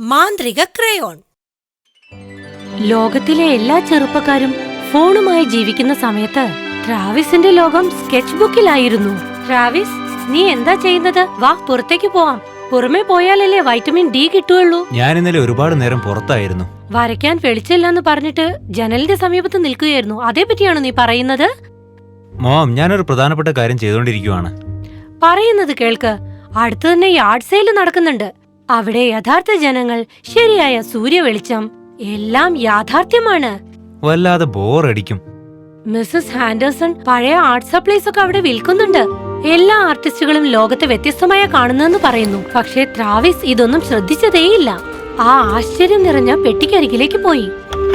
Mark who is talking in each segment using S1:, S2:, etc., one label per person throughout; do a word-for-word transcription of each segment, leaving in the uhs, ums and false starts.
S1: മാന്ത്രിക ക്രയോൺ.
S2: ലോകത്തിലെ എല്ലാ ചെറുപ്പക്കാരും ഫോണുമായി ജീവിക്കുന്ന സമയത്ത് ട്രാവിസിന്റെ ലോകം സ്കെച്ച് ബുക്കിലായിരുന്നു. ട്രാവിസ്, നീ എന്താ ചെയ്യുന്നത്? വാ, പുറത്തേക്ക് പോവാം. പുറമെ പോയാലല്ലേ വൈറ്റമിൻ ഡി കിട്ടുള്ളൂ.
S3: ഞാൻ ഇന്നലെ ഒരുപാട് നേരം പുറത്തായിരുന്നു.
S2: വരയ്ക്കാൻ വെളിച്ചില്ലെന്ന് പറഞ്ഞിട്ട് ജനലിന്റെ സമീപത്ത് നിൽക്കുകയായിരുന്നു. അതേപറ്റിയാണോ നീ പറയുന്നത്?
S3: മോം, ഞാനൊരു പ്രധാനപ്പെട്ട കാര്യം ചെയ്തുകൊണ്ടിരിക്കുവാണ്.
S2: പറയുന്നത് കേൾക്ക്. അടുത്ത് തന്നെ യാർഡ് സെയിൽ നടക്കുന്നുണ്ട്. അവിടെ യഥാർത്ഥ ജനങ്ങൾ, ശരിയായ സൂര്യ വെളിച്ചം, എല്ലാം യാഥാർത്ഥ്യമാണ്.
S3: വല്ലാതെ ബോറടിക്കും.
S2: മിസ്സസ് ഹാൻഡേഴ്സൺ പഴയ ആർട്ട് സപ്ലൈസ് ഒക്കെ അവിടെ വിൽക്കുന്നുണ്ട്. എല്ലാ ആർട്ടിസ്റ്റുകളും ലോകത്തെ വ്യത്യസ്തമായ കാണുന്നെന്ന് പറയുന്നു. പക്ഷേ ട്രാവിസ് ഇതൊന്നും ശ്രദ്ധിച്ചതേയില്ല. ആ ആശ്ചര്യം നിറഞ്ഞ പെട്ടിക്കരികിലേക്ക് പോയി.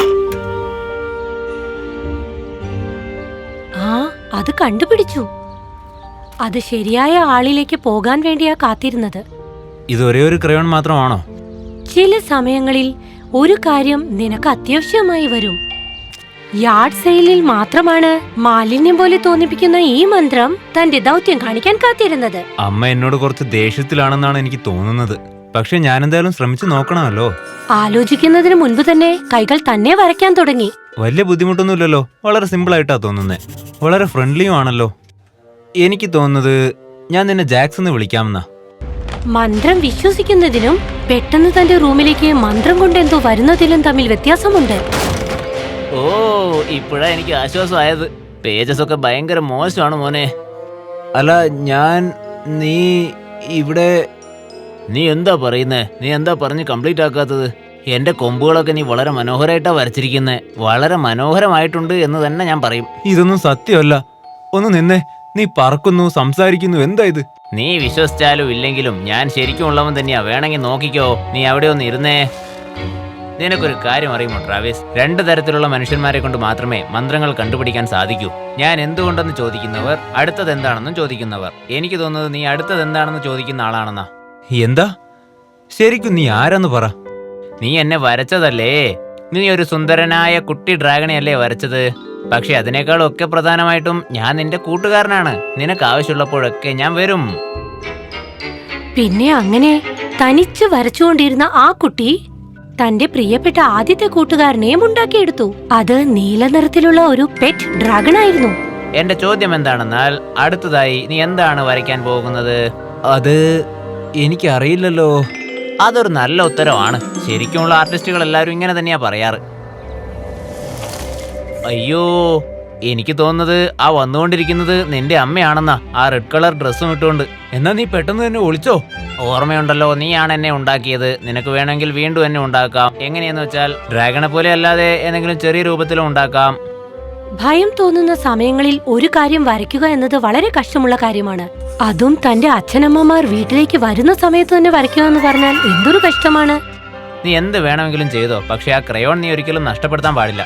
S2: ആ അത് കണ്ടുപിടിച്ചു. അത് ശരിയായ ആളിലേക്ക് പോകാൻ വേണ്ടിയാ കാത്തിരുന്നത്.
S3: ഇത് ഒരേ ഒരു ക്രയോൺ മാത്രമാണോ?
S2: ചില സമയങ്ങളിൽ ഒരു കാര്യം നിനക്ക് അത്യാവശ്യമായി വരും. യാർഡ് സെയിലിൽ മാത്രമാണ് മാലിന്യം പോലെ തോന്നിപ്പിക്കുന്ന ഈ മന്ത്രം തന്റെ ദൗത്യം കാണിക്കാൻ കാത്തിരുന്നത്.
S3: അമ്മ എന്നോട് കുറച്ച് ദേഷ്യത്തിലാണെന്നാണ് എനിക്ക് തോന്നുന്നത്. പക്ഷെ ഞാൻ എന്തായാലും ശ്രമിച്ചു നോക്കണമല്ലോ.
S2: ആലോചിക്കുന്നതിന് മുൻപ് തന്നെ കൈകൾ തന്നെ വരയ്ക്കാൻ തുടങ്ങി.
S3: വലിയ ബുദ്ധിമുട്ടൊന്നുമില്ലല്ലോ. വളരെ സിമ്പിൾ ആയിട്ടാ തോന്നുന്നേ. വളരെ ഫ്രണ്ട്ലിയും ആണല്ലോ. എനിക്ക് തോന്നുന്നത് ഞാൻ നിന്നെ ജാക്സ് എന്ന് വിളിക്കാമെന്നാ.
S2: മന്ത്രം വിശ്വസിക്കുന്നതിനും പെട്ടെന്ന് തന്റെ റൂമിലേക്ക് മന്ത്രം കൊണ്ട് എന്തോ വരുന്നതിലും തമ്മിൽ വ്യത്യാസമുണ്ട്.
S4: ഓ, ഇപ്പോഴാ എനിക്ക് ആശ്വാസമായത്. പേജസ് ഒക്കെ ഭയങ്കര മോശമാണ് മോനെ.
S3: അല്ല, ഞാൻ നീ ഇവിടെ
S4: നീ എന്താ പറയുന്നേ? നീ എന്താ പറഞ്ഞ് കംപ്ലീറ്റ് ആക്കാത്തത്? എന്റെ കൊമ്പുകളൊക്കെ നീ വളരെ മനോഹരമായിട്ടാ വരച്ചിരിക്കുന്നേ. വളരെ മനോഹരമായിട്ടുണ്ട് എന്ന് തന്നെ ഞാൻ പറയും.
S3: ഇതൊന്നും സത്യമല്ല. ഒന്ന് നിന്നെ. നീ പറക്കുന്നു, സംസാരിക്കുന്നു. എന്താ ഇത്?
S4: നീ വിശ്വസിച്ചാലും ഇല്ലെങ്കിലും ഞാൻ ശരിക്കും ഉള്ളവൻ തന്നെയാ. വേണമെങ്കിൽ നോക്കിക്കോ. നീ അവിടെ ഒന്ന് ഇരുന്നേ. നിനക്കൊരു കാര്യം അറിയുമോ ട്രാവിസ്? രണ്ടു തരത്തിലുള്ള മനുഷ്യന്മാരെ കൊണ്ട് മാത്രമേ മന്ത്രങ്ങൾ കണ്ടുപിടിക്കാൻ സാധിക്കൂ. ഞാൻ എന്തുകൊണ്ടെന്ന് ചോദിക്കുന്നവർ, അടുത്തത് എന്താണെന്നും ചോദിക്കുന്നവർ. എനിക്ക് തോന്നുന്നത് നീ അടുത്തത് എന്താണെന്ന് ചോദിക്കുന്ന ആളാണെന്നാ.
S3: എന്താ? ശരിക്കും നീ ആരാന്ന് പറ.
S4: നീ എന്നെ വരച്ചതല്ലേ? നീ ഒരു സുന്ദരനായ കുട്ടി ഡ്രാഗണെയല്ലേ വരച്ചത്? പക്ഷെ അതിനേക്കാളൊക്കെ പ്രധാനമായിട്ടും ഞാൻ നിന്റെ കൂട്ടുകാരനാണ്. നിനക്ക് ആവശ്യമുള്ളപ്പോഴൊക്കെ ഞാൻ വരും.
S2: പിന്നെ അങ്ങനെ തനിച്ച് വരച്ചുകൊണ്ടിരുന്ന ആ കുട്ടി തന്റെ പ്രിയപ്പെട്ട ആദ്യത്തെ കൂട്ടുകാരനെയും ഉണ്ടാക്കിയെടുത്തു. അത് നീല നിറത്തിലുള്ള ഒരു പെറ്റ് ഡ്രാഗൺ ആയിരുന്നു.
S4: എന്റെ ചോദ്യം എന്താണെന്നാൽ, അടുത്തതായി നീ എന്താണ് വരയ്ക്കാൻ പോകുന്നത്?
S3: അത് എനിക്കറിയില്ലല്ലോ.
S4: അതൊരു നല്ല ഉത്തരവാണ്. ശരിക്കുമുള്ള ആർട്ടിസ്റ്റുകൾ എല്ലാവരും ഇങ്ങനെ തന്നെയാ പറയാറ്. അയ്യോ, എനിക്ക് തോന്നുന്നത് ആ വന്നുകൊണ്ടിരിക്കുന്നത് നിന്റെ അമ്മയാണെന്നാ, ആ റെഡ് കളർ ഡ്രസ്സും ഇട്ടുകൊണ്ട്.
S3: എന്നാ നീ പെട്ടെന്ന് തന്നെ ഒളിച്ചോ.
S4: ഓർമ്മയുണ്ടല്ലോ, നീയാണ് എന്നെ ഉണ്ടാക്കിയത്. നിനക്ക് വേണമെങ്കിൽ വീണ്ടും എന്നെ ഉണ്ടാക്കാം. എങ്ങനെയെന്ന് വെച്ചാൽ ഡ്രാഗണെ പോലെ അല്ലാതെ ഏതെങ്കിലും ചെറിയ രൂപത്തിലും ഉണ്ടാക്കാം.
S2: ഭയം തോന്നുന്ന സമയങ്ങളിൽ ഒരു കാര്യം വരയ്ക്കുക എന്നത് വളരെ കഷ്ടമുള്ള കാര്യമാണ്. അതും തന്റെ അച്ഛനമ്മമാർ വീട്ടിലേക്ക് വരുന്ന സമയത്ത് തന്നെ വരയ്ക്കുക എന്ന് പറഞ്ഞാൽ എന്തൊരു കഷ്ടമാണ്.
S4: നീ എന്ത് വേണമെങ്കിലും ചെയ്തോ, പക്ഷെ ആ ക്രയോൺ നീ ഒരിക്കലും നഷ്ടപ്പെടുത്താൻ പാടില്ല.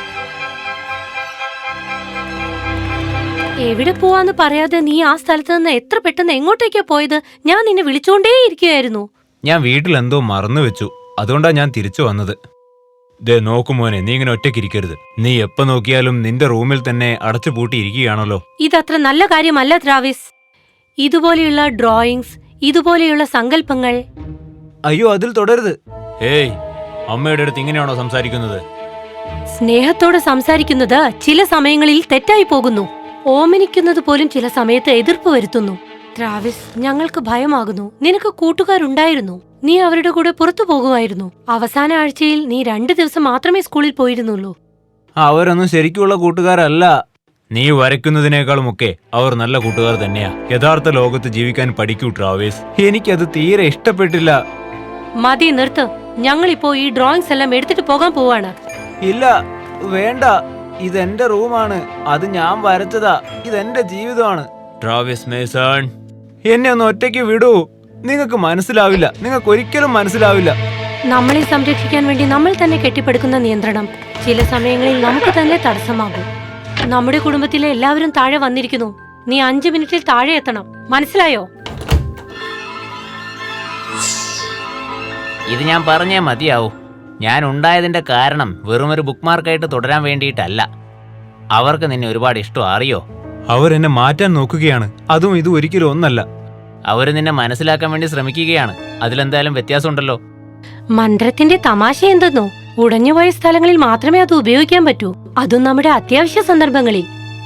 S2: എവിടെ പോവാന്ന് പറയാതെ നീ ആ സ്ഥലത്ത് നിന്ന് എത്ര പെട്ടെന്ന് എങ്ങോട്ടേക്കാ പോയത്? ഞാൻ നിന്നെ വിളിച്ചോണ്ടേയിരിക്കുകയായിരുന്നു.
S3: ഞാൻ വീട്ടിൽ എന്തോ മറന്നു വെച്ചു. അതുകൊണ്ടാ ഞാൻ തിരിച്ചു വന്നത്. ദേ നോക്കുമോനെ, നീ ഇങ്ങനെ ഒറ്റയ്ക്കിരിക്കരുത്. നീ എപ്പോ നോക്കിയാലും നിന്റെ റൂമിൽ തന്നെ അടച്ചു പൂട്ടിയിരിക്കുകയാണല്ലോ.
S2: ഇതത്ര നല്ല കാര്യമല്ല ട്രാവിസ്. ഇതുപോലെയുള്ള ഡ്രോയിങ്സ്, ഇതുപോലെയുള്ള സങ്കല്പങ്ങൾ.
S3: അയ്യോ, അതിൽ തുടരുത്. ഏയ്, അമ്മയുടെ അടുത്ത് ഇങ്ങനെയാണോ സംസാരിക്കുന്നത്?
S2: സ്നേഹത്തോടെ സംസാരിക്കുന്നത് ചില സമയങ്ങളിൽ തെറ്റായി പോകുന്നു. ഓമനിക്കുന്നത് പോലും ചില സമയത്ത് എതിർപ്പ് വരുത്തുന്നു. ട്രാവിസ്, ഞങ്ങൾക്ക് ഭയമാകുന്നു. നിനക്ക് കൂട്ടുകാരുണ്ടായിരുന്നു. നീ അവരുടെ കൂടെ പുറത്തു പോകുമായിരുന്നു. അവസാന ആഴ്ചയിൽ നീ രണ്ടു ദിവസം മാത്രമേ സ്കൂളിൽ പോയിരുന്നുള്ളൂ.
S3: അവരൊന്നും ശരിക്കുള്ള കൂട്ടുകാരല്ല. നീ വരയ്ക്കുന്നതിനേക്കാളുമൊക്കെ അവർ നല്ല കൂട്ടുകാർ തന്നെയാ. യഥാർത്ഥ ലോകത്ത് ജീവിക്കാൻ പഠിക്കൂ ട്രാവിസ്. എനിക്കത് തീരെ ഇഷ്ടപ്പെട്ടില്ല.
S2: മതി, നിർത്ത്. ഞങ്ങളിപ്പോ ഈ ഡ്രോയിങ്സ് എല്ലാം എടുത്തിട്ട് പോകാൻ പോവാണ്.
S3: ഇല്ല, വേണ്ട. ഇതെന്റെ റൂമാണ്. അത് ഞാൻ വരച്ചതാ. ഇതെന്റെ ജീവിതമാണ്. ട്രാവിസ് മേസൺ, എന്നെ ഒന്ന് ഒറ്റയ്ക്ക് വിടൂ. നിങ്ങൾക്ക് മനസ്സിലാവില്ല. നിങ്ങൾക്ക് ഒരിക്കലും മനസ്സിലാവില്ല.
S2: നമ്മളെ സംരക്ഷിക്കാൻ വേണ്ടി നമ്മൾ തന്നെ കെട്ടിപ്പടുക്കുന്ന നിയന്ത്രണം ചില സമയങ്ങളിൽ നമുക്ക് തന്നെ തടസ്സമാകും. നമ്മുടെ കുടുംബത്തിലെ എല്ലാവരും താഴെ വന്നിരിക്കുന്നു. നീ അഞ്ചു മിനിറ്റിൽ താഴെ എത്തണം. മനസ്സിലായോ?
S4: ഇത് ഞാൻ പറഞ്ഞേ മതിയാവൂ. ഞാൻ ഉണ്ടായതിന്റെ കാരണം വെറുമൊരു ബുക്ക് മാർക്കായിട്ട് തുടരാൻ വേണ്ടിയിട്ടല്ല. അവർക്ക് നിന്നെ ഒരുപാട് ഇഷ്ടം, അറിയോ?
S3: അവരെന്നെ മാറ്റാൻ നോക്കുകയാണ്. അതും ഇത് ഒരിക്കലും ഒന്നല്ല.
S4: അവർ നിന്നെ മനസ്സിലാക്കാൻ വേണ്ടി ശ്രമിക്കുകയാണ്. അതിലെന്തായാലും വ്യത്യാസമുണ്ടല്ലോ.
S2: മന്ത്രത്തിന്റെ തമാശ എന്തെന്നോ, ഉടഞ്ഞുപോയ സ്ഥലങ്ങളിൽ മാത്രമേ അത് ഉപയോഗിക്കാൻ പറ്റൂ, അതും നമ്മുടെ അത്യാവശ്യ സന്ദർഭങ്ങളിൽ.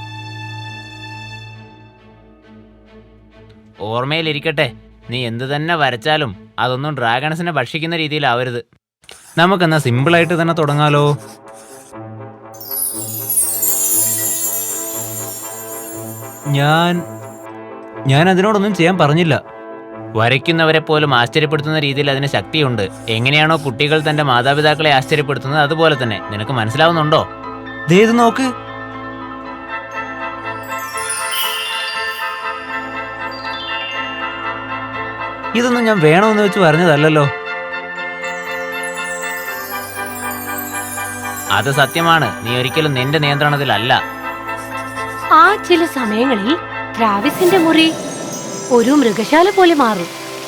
S4: ഓർമ്മയിലിരിക്കട്ടെ, നീ എന്തു തന്നെ വരച്ചാലും അതൊന്നും ഡ്രാഗൺസിനെ ഭക്ഷിക്കുന്ന രീതിയിലാവരുത്.
S3: നമുക്കെന്നാ സിമ്പിളായിട്ട് തന്നെ തുടങ്ങാലോ. ഞാൻ ഞാൻ അതിനോടൊന്നും ചെയ്യാൻ പറഞ്ഞില്ല.
S4: വരയ്ക്കുന്നവരെ പോലും ആശ്ചര്യപ്പെടുത്തുന്ന രീതിയിൽ അതിന് ശക്തിയുണ്ട്. എങ്ങനെയാണോ കുട്ടികൾ തന്റെ മാതാപിതാക്കളെ ആശ്ചര്യപ്പെടുത്തുന്നത് അതുപോലെ തന്നെ. നിനക്ക് മനസ്സിലാവുന്നുണ്ടോ?
S3: ദേ ഇത് നോക്ക്. ഇതൊന്നും ഞാൻ വേണമെന്ന് വെച്ച് പറഞ്ഞതല്ലല്ലോ.
S4: അത് സത്യമാണ്. നീ ഒരിക്കലും നിന്റെ നിയന്ത്രണത്തിലല്ല.
S2: ആ ചില സമയങ്ങളിൽ ട്രാവിസിന്റെ മുറി ഒരു മൃഗശാല പോലെ മാറും.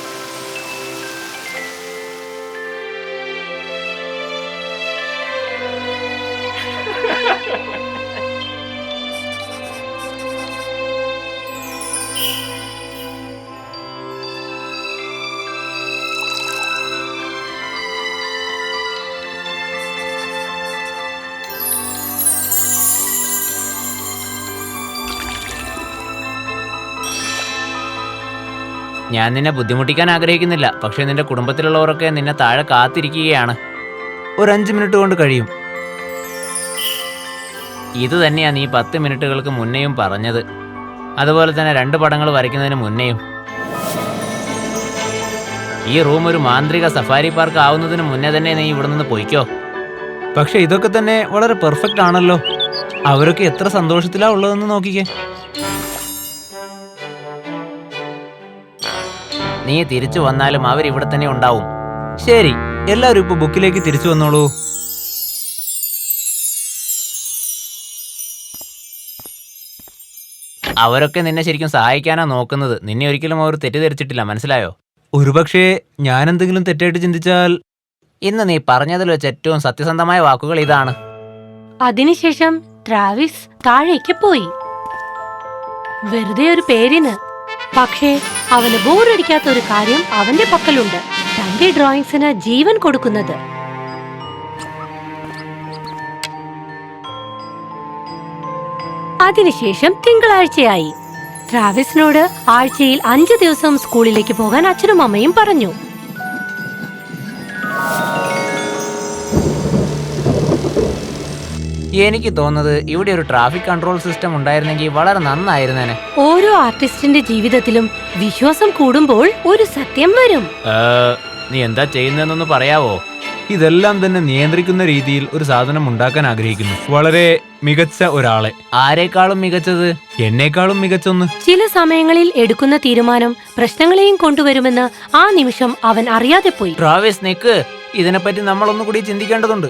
S4: ഞാൻ നിന്നെ ബുദ്ധിമുട്ടിക്കാൻ ആഗ്രഹിക്കുന്നില്ല, പക്ഷെ നിന്റെ കുടുംബത്തിലുള്ളവരൊക്കെ നിന്നെ താഴെ കാത്തിരിക്കുകയാണ്.
S3: ഒരു അഞ്ച് മിനിറ്റ് കൊണ്ട് കഴിയും.
S4: ഇത് തന്നെയാ നീ പത്ത് മിനിറ്റുകൾക്ക് മുന്നേയും പറഞ്ഞത്. അതുപോലെ തന്നെ രണ്ട് പടങ്ങൾ വരയ്ക്കുന്നതിന് മുന്നേയും. ഈ റൂം ഒരു മാന്ത്രിക സഫാരി പാർക്ക് ആവുന്നതിന് മുന്നേ തന്നെ നീ ഇവിടെ നിന്ന് പൊയ്ക്കോ.
S3: പക്ഷെ ഇതൊക്കെ തന്നെ വളരെ പെർഫെക്റ്റ് ആണല്ലോ. അവരൊക്കെ എത്ര സന്തോഷത്തിലാ ഉള്ളതെന്ന് നോക്കിക്കേ.
S4: നീ തിരിച്ചു വന്നാലും അവരിവിടെ തന്നെ ഉണ്ടാവും.
S3: ശരി, എല്ലാവരും ഇപ്പൊ ബുക്കിലേക്ക് തിരിച്ചു വന്നോളൂ.
S4: അവരൊക്കെ നിന്നെ ശരിക്കും സഹായിക്കാനാ നോക്കുന്നത്. നിന്നെ ഒരിക്കലും അവർ തെറ്റിദ്ധരിച്ചിട്ടില്ല, മനസ്സിലായോ?
S3: ഒരുപക്ഷെ ഞാൻ എന്തെങ്കിലും തെറ്റായിട്ട് ചിന്തിച്ചാൽ.
S4: ഇന്ന് നീ പറഞ്ഞതിൽ വെച്ച് ഏറ്റവും സത്യസന്ധമായ വാക്കുകൾ ഇതാണ്.
S2: അതിനുശേഷം ട്രാവിസ് താഴേക്ക് പോയി, വെറുതെ ഒരു പേരിന്. പക്ഷേ അവന് ബോറടിക്കാത്ത ഒരു കാര്യം അവന്റെ പക്കലുണ്ട്, തന്റെ ഡ്രോയിങ്സിന് ജീവൻ കൊടുക്കുന്നത്. അതിനുശേഷം തിങ്കളാഴ്ചയായി. ട്രാവിസിനോട് ആഴ്ചയിൽ അഞ്ചു ദിവസം സ്കൂളിലേക്ക് പോകാൻ അച്ഛനും അമ്മയും പറഞ്ഞു.
S4: എനിക്ക് തോന്നുന്നത് ഇവിടെ ഒരു ട്രാഫിക് കൺട്രോൾ സിസ്റ്റം ഉണ്ടായിരുന്നെങ്കിൽ വളരെ നന്നായിരുന്നേനെ.
S2: ഓരോ ആർട്ടിസ്റ്റിന്റെ ജീവിതത്തിലും വിശ്വാസം കൂടുമ്പോൾ ഒരു സത്യം വരും.
S4: നീ എന്താ ചെയ്യുന്നതെന്നൊന്ന് പറയാവോ?
S3: ഇതെല്ലാം തന്നെ നിയന്ത്രിക്കുന്ന രീതിയിൽ ഒരു സാധനം ഉണ്ടാക്കാൻ ആഗ്രഹിക്കുന്നു. വളരെ മികച്ച ഒരാളെ.
S4: ആരെക്കാളും മികച്ചത്?
S3: എന്നേക്കാളും മികച്ചൊന്ന്.
S2: ചില സമയങ്ങളിൽ എടുക്കുന്ന തീരുമാനം പ്രശ്നങ്ങളെയും കൊണ്ടുവരുമെന്ന് ആ നിമിഷം അവൻ അറിയാതെ പോയി.
S4: ട്രാവിസ് നിക്ക്, ഇതിനെപ്പറ്റി നമ്മൾ ഒന്നുകൂടി ചിന്തിക്കേണ്ടതുണ്ട്.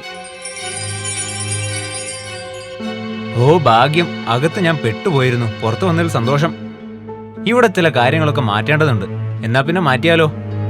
S3: ഓ ഭാഗ്യം, അകത്ത് ഞാൻ പെട്ടുപോയിരുന്നു. പുറത്തു വന്നതിൽ സന്തോഷം. ഇവിടെ ചില കാര്യങ്ങളൊക്കെ മാറ്റേണ്ടതുണ്ട്. എന്നാ പിന്നെ മാറ്റിയാലോ?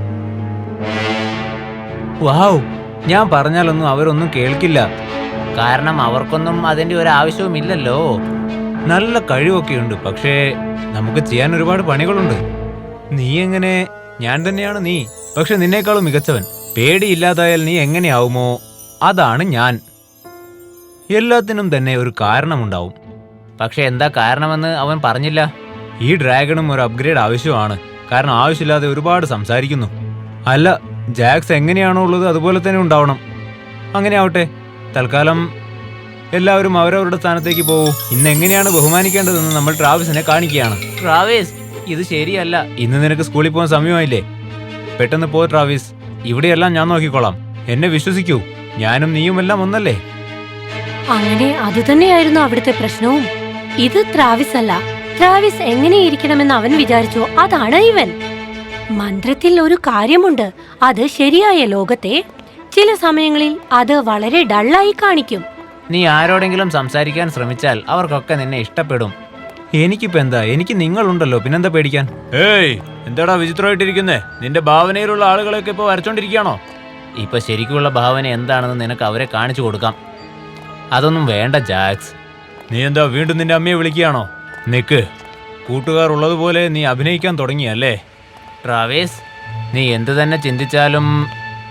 S3: വാവ്, ഞാൻ പറഞ്ഞാലൊന്നും അവരൊന്നും കേൾക്കില്ല.
S4: കാരണം അവർക്കൊന്നും അതിന്റെ ഒരു ആവശ്യവുമില്ലല്ലോ.
S3: നല്ല കഴിവൊക്കെയുണ്ട്, പക്ഷേ നമുക്ക് ചെയ്യാൻ ഒരുപാട് പണികളുണ്ട്. നീ എങ്ങനെ? ഞാൻ തന്നെയാണ് നീ, പക്ഷെ നിന്നേക്കാളും മികച്ചവൻ. പേടിയില്ലാതായാൽ നീ എങ്ങനെയാവുമോ അതാണ് ഞാൻ. എല്ലാത്തിനും തന്നെ ഒരു കാരണമുണ്ടാവും.
S4: പക്ഷെ എന്താ കാരണമെന്ന് അവൻ പറഞ്ഞില്ല.
S3: ഈ ഡ്രാഗണും ഒരു അപ്ഗ്രേഡ് ആവശ്യമാണ്. കാരണം ആവശ്യമില്ലാതെ ഒരുപാട് സംസാരിക്കുന്നു. അല്ല, ജാക്സ് എങ്ങനെയാണോ ഉള്ളത് അതുപോലെ തന്നെ ഉണ്ടാവണം. അങ്ങനെ ആവട്ടെ. തൽക്കാലം എല്ലാവരും അവരവരുടെ സ്ഥാനത്തേക്ക് പോകൂ. ഇന്ന് എങ്ങനെയാണ് ബഹുമാനിക്കേണ്ടതെന്ന് നമ്മൾ ട്രാവിസിനെ കാണിക്കുകയാണ്.
S4: ട്രാവിസ്, ഇത് ശരിയല്ല.
S3: ഇന്ന് നിനക്ക് സ്കൂളിൽ പോകാൻ സമയമായില്ലേ? പെട്ടെന്ന് പോ ട്രാവിസ്. ഇവിടെയെല്ലാം ഞാൻ നോക്കിക്കോളാം. എന്നെ വിശ്വസിക്കൂ, ഞാനും നീയുമെല്ലാം ഒന്നല്ലേ?
S2: അങ്ങനെ അതുതന്നെയായിരുന്നു അവിടുത്തെ പ്രശ്നവും. ഇത് ട്രാവിസ് അല്ല. ട്രാവിസ് എങ്ങനെയിരിക്കണമെന്ന് അവൻ വിചാരിച്ചോ അതാണ് ഇവൻ. മന്ത്രത്തിൽ ഒരു കാര്യമുണ്ട്, അത് ശരിയായ ലോകത്തെ ചില സമയങ്ങളിൽ അത് വളരെ ഡള്ളായി കാണിക്കും.
S4: നീ ആരോടെങ്കിലും സംസാരിക്കാൻ ശ്രമിച്ചാൽ അവർക്കൊക്കെ നിന്നെ ഇഷ്ടപ്പെടും.
S3: എനിക്കിപ്പോ എന്താ? എനിക്ക് നിങ്ങളുണ്ടല്ലോ, പിന്നെന്താ പേടിക്കാൻ? ഏയ്, എന്താടാ വിചിത്രമായിട്ടിരിക്കുന്നേ? നിന്റെ ഭാവനയിലുള്ള ആളുകളൊക്കെ ഇപ്പൊ വരച്ചോണ്ടിരിക്കുകയാണോ?
S4: ഇപ്പൊ ശരിക്കുള്ള ഭാവന എന്താണെന്ന് നിനക്ക് അവരെ കാണിച്ചു കൊടുക്കാം. അതൊന്നും വേണ്ട ജാക്സ്.
S3: നീ എന്താ വീണ്ടും നിന്റെ അമ്മയെ വിളിക്കുകയാണോ? നിക്ക്, കൂട്ടുകാർ ഉള്ളതുപോലെ നീ അഭിനയിക്കാൻ തുടങ്ങിയല്ലേ?
S4: ട്രാവിസ്, നീ എന്തു തന്നെ ചിന്തിച്ചാലും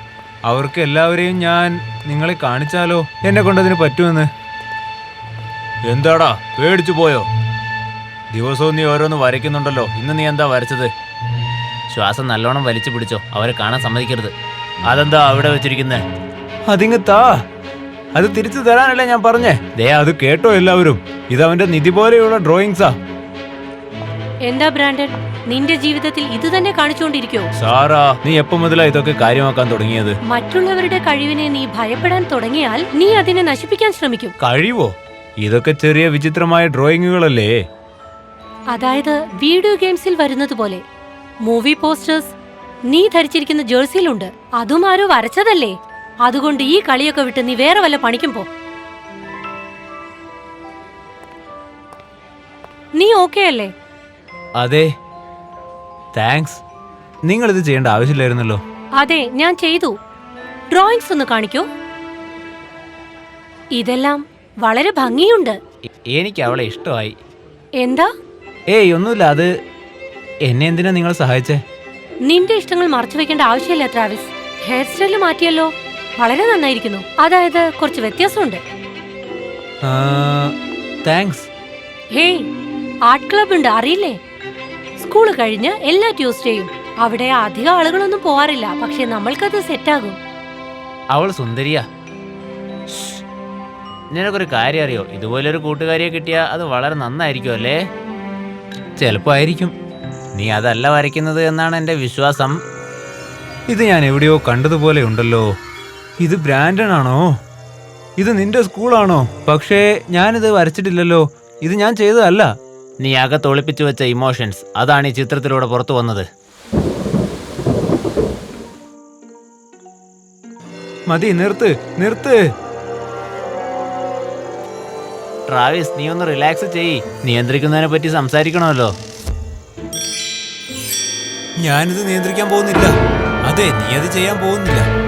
S3: അവർക്ക് എല്ലാവരെയും ഞാൻ നിങ്ങളെ കാണിച്ചാലോ? എന്നെ കൊണ്ടതിന് പറ്റുമെന്ന്. എന്താടാ, പേടിച്ചു പോയോ? ദിവസവും നീ ഓരോന്ന് വരയ്ക്കുന്നുണ്ടല്ലോ, ഇന്ന് നീ എന്താ വരച്ചത്?
S4: ശ്വാസം നല്ലോണം വലിച്ചു പിടിച്ചോ, അവരെ കാണാൻ സമ്മതിക്കരുത്. അതെന്താ അവിടെ വെച്ചിരിക്കുന്നേ?
S3: അതിങ്ങ് താ, അത് തിരിച്ചു തരാനല്ലേ ഞാൻ പറഞ്ഞേ. ദേ അത് കേട്ടോ എല്ലാവരും, ഇതവന്റെ നിധി പോലെയുള്ള ഡ്രോയിങ്സാ.
S2: എന്താ ബ്രാൻഡൻ, നിന്റെ ജീവിതത്തിൽ ഇത് തന്നെ കാണിച്ചുകൊണ്ടിരിക്കോ?
S3: സാറാ, നീ എപ്പോ മുതലാ ഇതൊക്കെ കാര്യമാക്കാൻ തുടങ്ങിയത്?
S2: മറ്റുള്ളവരുടെ കഴിവിനെ നീ ഭയപ്പെടാൻ തുടങ്ങിയാൽ നീ അതിനെ നശിപ്പിക്കാൻ ശ്രമിക്കും.
S3: കഴിവോ? ഇതൊക്കെ ചെറിയ വിചിത്രമായ ഡ്രോയിങ്ങുകളല്ലേ?
S2: അതായത് വീഡിയോ ഗെയിംസിൽ വരുന്നത് പോലെ. മൂവി പോസ്റ്റേഴ്സ് നീ ധരിച്ചിരിക്കുന്ന ജേഴ്സിയിലുണ്ട്. അതും ആരോ വരച്ചതല്ലേ? അതുകൊണ്ട് ഈ കളിയൊക്കെ വിട്ട് നീ വേറെ വല്ല പണിക്കും പോ. നീ ഓക്കെ അല്ലേ?
S3: അതെ, താങ്ക്സ്. നിങ്ങൾ ഇത് ചെയ്യേണ്ട ആവശ്യമില്ലായിരുന്നല്ലോ.
S2: അതെ, ഞാൻ ചെയ്തു. ഡ്രോയിങ്സ് ഒന്ന് കാണിക്കൂ. ഇതെല്ലാം വളരെ ഭംഗിയുണ്ട്.
S4: എ- എനിക്ക് അവളെ ഇഷ്ടമായി.
S2: എന്താ?
S3: ഏയ് ഒന്നുമില്ല. അത് എന്നെ എന്തിനാ നിങ്ങൾ സഹായിച്ചേ?
S2: നിന്റെ ഇഷ്ടങ്ങൾ മറച്ചു വെക്കേണ്ട ആവശ്യമില്ല ട്രാവിസ്. ഹെയർ സ്റ്റൈല് മാറ്റിയല്ലോ, വളരെ നന്നായിരിക്കുന്നു. അതായത് കുറച്ച് വ്യത്യാസമുണ്ട്.
S3: താങ്ക്സ്.
S2: ഹേയ്, ആർട്ട് ക്ലബ് ഉണ്ട്, അറിയില്ലേ? സ്കൂള് കഴിഞ്ഞ് എല്ലാ ട്യൂസ്ഡേയും. അവിടെ അധികം ആളുകളൊന്നും പോവാറില്ല, പക്ഷെ നമ്മൾക്കത് സെറ്റാകും.
S4: അവൾ സുന്ദരിയാ. ശ്ശ്. നിനക്കൊരു കാര്യം അറിയോ? ഇതുപോലൊരു കൂട്ടുകാരിയെ കിട്ടിയാൽ അത് വളരെ നന്നായിരിക്കും അല്ലേ?
S3: ചിലപ്പോ ആയിരിക്കും.
S4: നീ അതല്ല വരയ്ക്കുന്നത് എന്നാണ് എൻ്റെ വിശ്വാസം.
S3: ഇത് ഞാൻ എവിടെയോ കണ്ടതുപോലെ ഉണ്ടല്ലോ. ഇത് ബ്രാൻഡൻ ആണോ? ഇത് നിന്റെ സ്കൂളാണോ? പക്ഷേ ഞാനിത് വരച്ചിട്ടില്ലല്ലോ. ഇത് ഞാൻ ചെയ്തതല്ല.
S4: നീ അകത്ത് ഒളിപ്പിച്ചു വെച്ച ഇമോഷൻസ്, അതാണ് ഈ ചിത്രത്തിലൂടെ പുറത്തു വന്നത്.
S3: മതി, നിർത്ത് നിർത്ത്.
S4: ട്രാവിസ്, നീ ഒന്ന് റിലാക്സ് ചെയ്യ്. നിയന്ത്രിക്കുന്നതിനെ പറ്റി സംസാരിക്കണമല്ലോ.
S3: ഞാനിത് നിയന്ത്രിക്കാൻ പോകുന്നില്ല. അതെ, നീ അത് ചെയ്യാൻ പോകുന്നില്ല.